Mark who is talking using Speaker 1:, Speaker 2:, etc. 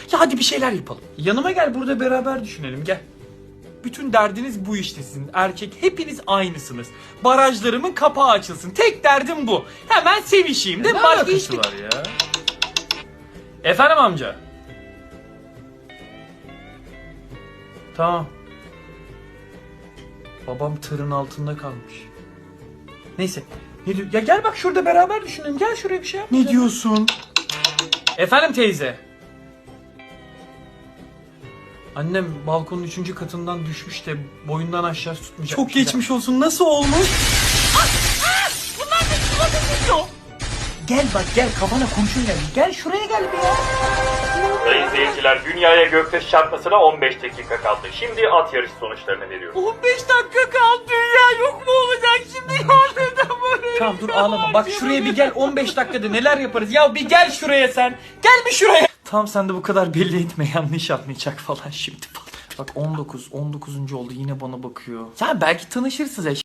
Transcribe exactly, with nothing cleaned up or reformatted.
Speaker 1: Ya hadi bir şeyler yapalım. Yanıma gel, burada beraber düşünelim, gel. Bütün derdiniz bu işte sizin. Erkek hepiniz aynısınız. Barajlarımın kapağı açılsın. Tek derdim bu. Hemen sevişeyim değil mi? Başka hiçbir... var ya? Efendim amca? Tamam. Babam tırın altında kalmış. Neyse. Ne diyor? Ya gel bak, şurada beraber düşünelim. Gel şuraya bir şey yap. Ne diyorsun? Efendim teyze. Annem balkonun üçüncü katından düşmüş de boyundan aşağı tutmayacak. Çok geçmiş olsun. Nasıl olmuş? Bunlar ne çikolata? Gel bak, gel, kafana kurşun geldi. Gel şuraya gel bir ya.
Speaker 2: Sayın izleyiciler, dünyaya göktaşı çarpmasına on beş dakika kaldı. Şimdi at yarışı sonuçlarını veriyorum.
Speaker 1: on beş dakika kaldı, dünya yok mu olacak şimdi ya? Neden böyle? Tamam dur, ağlama. Bak şuraya bir gel, on beş dakikada neler yaparız. Ya bir gel şuraya sen. Gel bir şuraya. Tamam, sen de bu kadar belli etme, yanlış anlayacak falan şimdi falan. Bak on dokuz, on dokuzuncu oldu, yine bana bakıyor. Sen belki tanışırsınız eş.